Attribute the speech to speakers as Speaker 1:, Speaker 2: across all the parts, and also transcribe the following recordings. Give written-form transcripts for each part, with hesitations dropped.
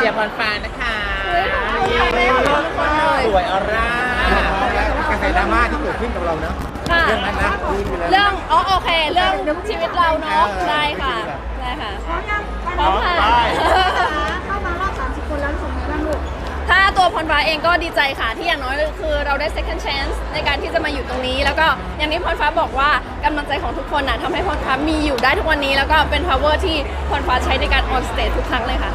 Speaker 1: ชียร์พรฟ้านะคะสวยออร่ากระแสดราม่าที่เกิดขึ้นกับเราเนาะเรื่องนั้นนะ
Speaker 2: เรื่องโอเคเรื่องชีวิตเราเนาะได้ค่ะได้ค่ะพร้อมค่ะ
Speaker 3: เข้ามารอบ30 คนแล้วรู้สึกไงบ้างลูก
Speaker 2: ถ้าตัวพรฟ้าเองก็ดีใจค่ะที่อย่างน้อยคือเราได้ second chance ในการที่จะมาอยู่ตรงนี้แล้วก็อย่างที่พรฟ้าบอกว่ากำลังใจของทุกคนทำให้พรฟ้ามีอยู่ได้ทุกวันนี้แล้วก็เป็น power ที่พรฟ้าใช้ในการ on stage ทุกครั้งเลยค่ะ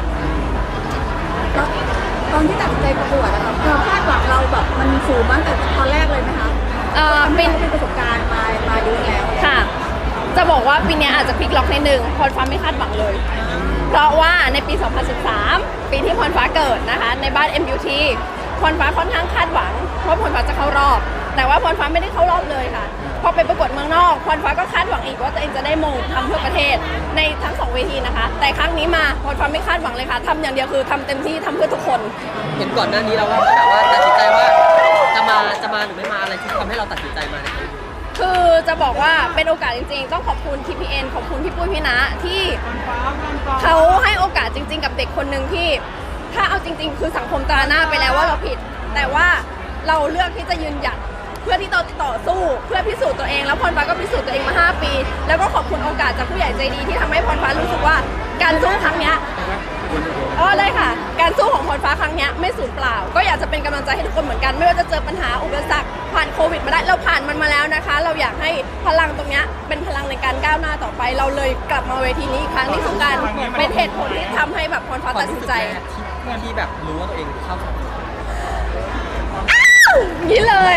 Speaker 3: ตอนที่ตัดสินใจประกวดอะเราคาดหวังเราแบบมันสูงมากแต่ตอนแรกเลยไหมคะเป็นประสบการณ์มาเยอะแล้ว
Speaker 2: ค่ะจะบอกว่าปีนี้อาจจะพลิกล็อกในหนึ่งพรฟ้าไม่คาดหวังเลยเพราะว่าในปี 2013 ปีที่พรฟ้าเกิดนะคะในบ้าน MUT พรฟ้าค่อนข้างคาดหวังว่าพรฟ้าจะเข้ารอบแต่ว่าพรฟ้าไม่ได้เข้ารอบเลยค่ะพอไปประกวดเมืองนอกพรฟ้าก็คาดหวังอีกว่าตัวเองจะได้มงทำเพื่อประเทศในทั้ง2 เวทีนะคะแต่ครั้งนี้มาพรฟ้าไม่คาดหวังเลยค่ะทำอย่างเดียวคือทำเต็มที่ทำเพื่อทุกคน
Speaker 4: เห็นก่อนหน้านี้เราว่าแบบว่าตัดสินใจว่าจะมาหรือไม่มาอะไรที่ทำให้เราตัดสินใจมาเนี่ย
Speaker 2: คือจะบอกว่าเป็นโอกาสจริงๆต้องขอบคุณ TPN ขอบคุณพี่ปุ้ยพี่นะที่เขาให้โอกาสจริงๆกับเด็กคนหนึ่งที่ถ้าเอาจริงๆคือสังคมตราหน้าไปแล้วว่าเราผิดแต่ว่าเราเลือกที่จะยืนหยัดเพื่อที่เราต่อสู้เพื่อพิสูจน์ตัวเองแล้วพรฟ้าก็พิสูจน์ตัวเองมา5 ปีแล้วก็ขอบคุณโอกาสจากผู้ใหญ่ใจดีที่ทำให้พรฟ้ารู้สึกว่าการสู้ครั้งนี้เลยค่ะการสู้ของพรฟ้าครั้งนี้ไม่สูญเปล่าก็อยากจะเป็นกำลังใจให้ทุกคนเหมือนกันไม่ว่าจะเจอปัญหาอุปสรรคผ่านโควิดมาได้เราผ่านมันมาแล้วนะคะเราอยากให้พลังตรงนี้เป็นพลังในการก้าวหน้าต่อไปเราเลยกลับมาเวทีนี้อีกครั้งนี่คือการเป็นเหตุผลที่ทำให้แบบพรฟ้าตัดสินใจ
Speaker 4: ที่แบบรู้ว่าตัวเองเข้า
Speaker 2: นี่เลย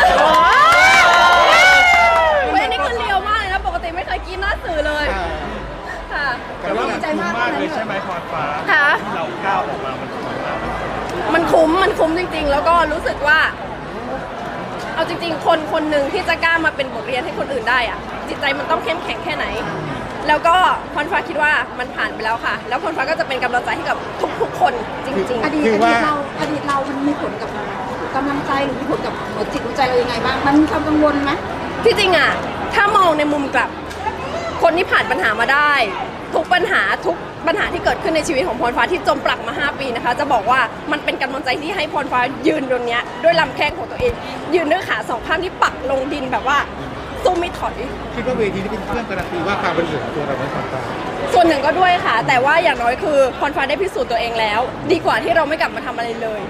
Speaker 2: เฮ้ยนี่คือเลียวมากเลยนะปกติไม่เคยกินหน้าสื่อเลยค่ะ
Speaker 1: แต่ว่ามันคุ้มมากเลยใช่ไหมพรฟ้าที่เราก้าวออกมา
Speaker 2: มันคุ้มจริงๆแล้วก็รู้สึกว่าเอาจริงๆคนหนึ่งที่จะกล้ามาเป็นบทเรียนให้คนอื่นได้อะจิตใจมันต้องเข้มแข็งแค่ไหนแล้วก็พรฟ้าคิดว่ามันผ่านไปแล้วค่ะแล้วพรฟ้าก็จะเป็นกำลังใจให้กับทุกๆคนจริงๆ
Speaker 3: อดีตเรามันมีผลกับกำลังใจหรือมีผลกับหัวจิตหัวใจเรายังไงบ้างมันมีความกังวลไหม
Speaker 2: ที่จริงอะถ้ามองในมุมกลับคนที่ผ่านปัญหามาได้ทุกปัญหาที่เกิดขึ้นในชีวิตของพรฟ้าที่จมปลักมา5 ปีนะคะจะบอกว่ามันเป็นกำลังใจที่ให้พรฟ้ายืนตรงนี้ด้วยลำแข้งของตัวเองยืนด้วยขา2 ข้างที่ปักลงดินแบบว่าสู้ไม่ถอย
Speaker 1: คิดว่าเวทีนี้เป็นเครื่องการันตีว่าความบริสุทธิ์ของตัวเราไม่ผ่านตา
Speaker 2: ส่วนหนึ่งก็ด้วยค่ะแต่ว่าอย่างน้อยคือพรฟ้าได้พิสูจน์ตัวเองแล้วดีกว่าที่เราไม่กลับมาทำอะไรเลย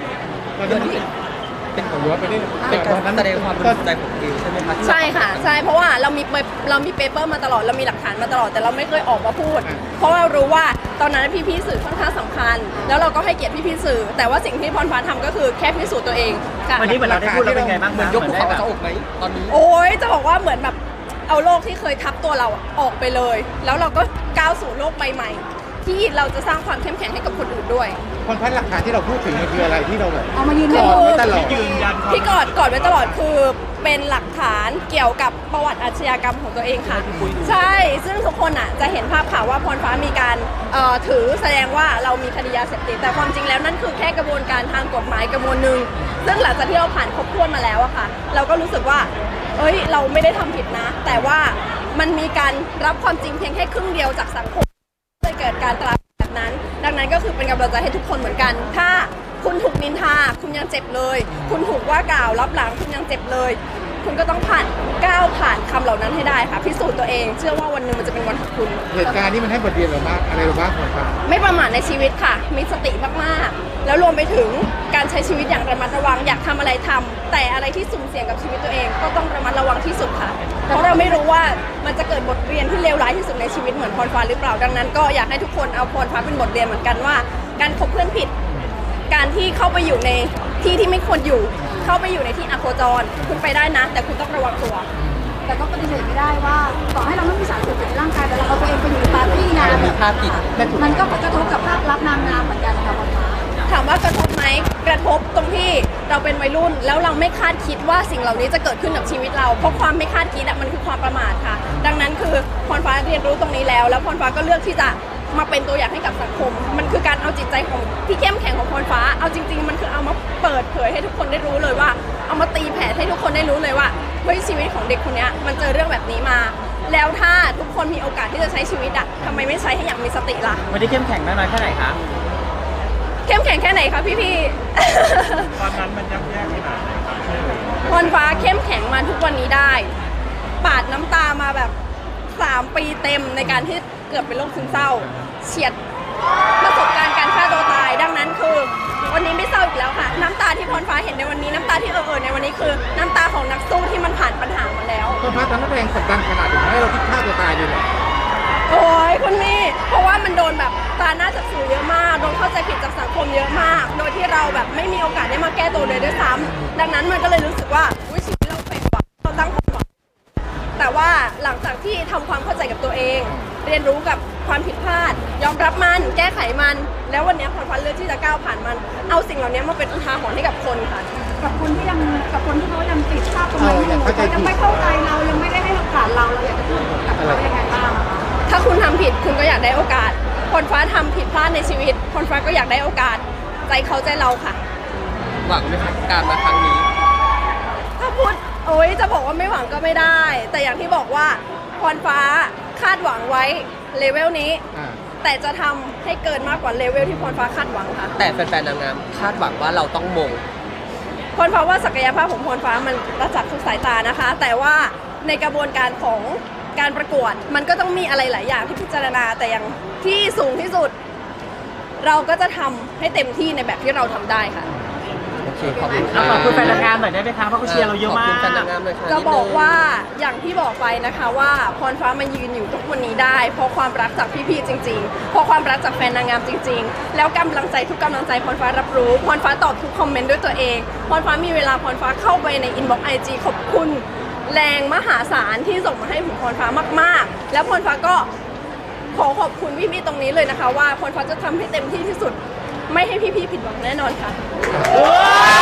Speaker 1: เป็นของย้อนไปได้
Speaker 4: เป็นการแสดงความบริสุทธิ์ใจของตัวเองใช่ไหมคะ
Speaker 2: ใช่ค่ะใช่เพราะว่าเรามีเปเปอร์มาตลอดเรามีหลักฐานมาตลอดแต่เราไม่เคยออกมาพูดเพราะเรารู้ว่าตอนนั้นพี่ๆสื่อค่อนข้างสำคัญแล้วเราก็ให้เกียรติพี่ๆสื่อแต่ว่าสิ่งที่พรฟ้าทำก็คือแค่พิสูจน์ตัวเองค่ะ
Speaker 4: วันนี้เหมือนเราได้พูดแล้วเป็นไงบ้างเหมือนยกภูเขาจะอกไหมตอนนี้
Speaker 2: โอ้ยจะบอกว่าเหมือนแบบเอาโลกที่เคยทับตัวเราออกไปเลยแล้วเราก็ก้าวสู่โลกใบใหม่ที่เราจะสร้างความเข้มแข็งให้กับคนอื่นด้วย
Speaker 1: คนพันหลักฐานที่เราพูดถึงมันคืออะไรที่เราแบบ
Speaker 3: เอามายืน
Speaker 1: ยันไว้ตลอด
Speaker 2: ที่กอดไว้ตลอดคือเป็นหลักฐานเกี่ยวกับประวัติอาชญากรรมของตัวเองค่ะใช่ซึ่งทุกคนจะเห็นภาพข่าวว่าพรฟ้ามีการถือแสดงว่าเรามีคดียาเสพติดแต่ความจริงแล้วนั่นคือแค่กระบวนการทางกฎหมายกระบวนหนึ่งซึ่งหลังจากที่เราผ่านครบถ้วนมาแล้วอะค่ะเราก็รู้สึกว่าเราไม่ได้ทำผิดนะแต่ว่ามันมีการรับความจริงเพียงแค่ครึ่งเดียวจากสังคมเลยเกิดการตราแบบนั้นดังนั้นก็คือเป็นกำลังใจให้ทุกคนเหมือนกันถ้าคุณถูกนินทาคุณยังเจ็บเลยคุณถูกว่ากล่าวรับหลังคุณยังเจ็บเลยคุณก็ต้องก้าวผ่านคำเหล่านั้นให้ได้ค่ะพิสูจน์ตัวเองเชื่อว่าวันหนึ่งมันจะเป็นวันของคุณ
Speaker 1: เหตุการณ์นี้มันให้บทเรียนเราบ้างอะไรเราบ้างครับ
Speaker 2: ไม่ประมาทในชีวิตค่ะมีสติมากๆแล้วรวมไปถึงการใช้ชีวิตอย่างระมัดระวังอยากทำอะไรทำแต่อะไรที่สุ่มเสี่ยงกับชีวิตตัวเองก็ต้องระมัดระวังที่สุดค่ะเพราะเราไม่รู้ว่ามันจะเกิดบทเรียนที่เลวร้ายที่สุดในชีวิตเหมือนพรฟ้าหรือเปล่าดังนั้นก็อยากให้ทุกคนเอาพรฟ้าเป็นบทเรียนเหมือนกันว่าการคบเพื่อนผิดการที่เข้าไปอยู่ในที่ที่ไม่ควรอยู่เข้าไปอยู่ในที่อโคจรคุณไปได้นะแต่คุณต้องระวังตัว
Speaker 3: แต่ก็ปฏิเสธไม่ได้ว่าต่อให้เราไม่มีสารเสพติดในร่างกายแต่เราเอาตัวเองไปอยู่ในปาร์ตี้งาน
Speaker 4: มีภาพติด
Speaker 3: มันก็กระทบกับภาพลักษณ์นางงามเหมือนกันนะคะพรฟ้า
Speaker 2: ถามว่ากระทบไหมกระทบตรงที่เราเป็นวัยรุ่นแล้วเราไม่คาดคิดว่าสิ่งเหล่านี้จะเกิดขึ้นกับชีวิตเราเพราะความไม่คาดคิดมันคือความประมาทค่ะดังนั้นคือพรฟ้าเรียนรู้ตรงนี้แล้วพรฟ้าก็เลือกที่จะมาเป็นตัวอย่างให้กับสังคมมันคือการเอาจิตใจของที่เข้มแข็งของพรฟ้าเอาจริงๆมันคือเอามาเปิดเผยให้ทุกคนได้รู้เลยว่าเอามาตีแผ่ให้ทุกคนได้รู้เลยว่าเฮ้ยชีวิตของเด็กคนนี้มันเจอเรื่องแบบนี้มาแล้วถ้าทุกคนมีโอกาสที่จะใช้ชีวิตทำไมไม่ใช้ให้อย่างมีสติล่ะ
Speaker 4: วันนี้เข้มแข็งมากน้อยแค่ไหนคะ
Speaker 2: เข้มแข็งแค่ไหนคะพี่ๆ
Speaker 1: ตอนนั้นมันยับแย่ขนาดไหนครับ
Speaker 2: พรฟ้าเข้มแข็งมาทุกวันนี้ได้ ปาดน้ำตามาแบบ3 ปีเต็มในการที่เกือบเป็นโรคซึมเศร้าเฉียดประสบการณ์การฆ่าตัวตายดังนั้นคือวันนี้ไม่เศร้าอีกแล้วค่ะน้ำตาที่พรฟ้าเห็นในวันนี้น้ำตาที่ในวันนี้คือน้ำตาของนักสู้ที่มันผ่านปัญหามาแล้ว
Speaker 1: พรฟ้าตอนนั้นแรงกดดันขนาดไหนให้เราคิดฆ่าตัวตายเลยเหรอ
Speaker 2: โอ้ยคุณนี่เพราะว่ามันโดนแบบตาหน้าจากสื่อเยอะมากโดนเข้าใจผิดจากสังคมเยอะมาก โดยที่เราแบบไม่มีโอกาสได้มาแก้ตัวเลยด้วยซ้ำดังนั้นมันก็เลยรู้สึกว่าชีวิตเราเฟลว่ะเราตั้งความหวังแต่ว่าหลังจากที่ทำความเข้าใจกับตัวเอง เรียนรู้กับความผิดพลาด ยอมรับมันแก้ไขมัน แล้ววันนี้พรฟ้าเลือกที่จะก้าวผ่านมัน เอาสิ่งเหล่านี้มาเป็นอุทาหรณ์ให้กับคนค่ะ
Speaker 3: กับคนที่เขายังติดภาพตรงนั้นอยู่เขายังไม่เข้าใจเรายังไม่ได้ให้โอกาสเราอยากจะพูดกับเขายังไงบ้างคะ
Speaker 2: ถ้าคุณทำผิดคุณก็อยากได้โอกาสพรฟ้าทำผิดพลาดในชีวิตพรฟ้าก็อยากได้โอกาสใจเขาใจเราค่ะ
Speaker 4: หวังไหมครับการมาครั้งนี้
Speaker 2: ถ้าพูดโอ๊ยจะบอกว่าไม่หวังก็ไม่ได้ แต่อย่างที่บอกว่าพรฟ้าคาดหวังไว้เลเวลนี้ แต่จะทำให้เกินมากกว่าเลเวลที่พรฟ้าคาดหวังค่ะ
Speaker 4: แต่แฟนๆนางงามคาดหวังว่าเราต้องมง
Speaker 2: พรฟ้าว่าศักยภาพของพรฟ้ามันประจักษ์ทุกสายตานะคะ แต่ว่าในกระบวนการของการประกวดมันก็ต้องมีอะไรหลายอย่างที่พิจารณาแต่อย่างที่สูงที่สุด เราก็จะทำให้เต็มที่ในแบบที่เราทำได้ค่ะ
Speaker 4: โอเคขอบคุณ
Speaker 5: แล้วขอบคุณแฟนนางงามหน่อยได้ไหมคะเพราะเขาเชียร์เราเยอะมาก
Speaker 4: ขอบคุณแฟนนางงามเลยค่ะ
Speaker 2: จะบอกว่าอย่างที่บอกไปนะคะว่าพรฟ้ามายืนอยู่ทุกวันนี้ได้ เพราะความรักจากพี่ๆจริงๆเพราะความรักจากแฟนนางงามจริงๆ แล้วกำลังใจทุกกำลังใจพรฟ้ารับรู้พรฟ้าตอบทุกคอมเมนต์ด้วยตัวเองพรฟ้ามีเวลาพรฟ้าเข้าไปในอินบ็อกซ์IG ขอบคุณแรงมหาศาลที่ส่งมาให้ผมพรฟ้ามากๆ แล้วพรฟ้าก็ขอขอบคุณพี่ๆตรงนี้เลยนะคะว่าพรฟ้าจะทำให้เต็มที่ที่สุด ไม่ให้พี่ๆผิดหวังแน่นอนค่ะ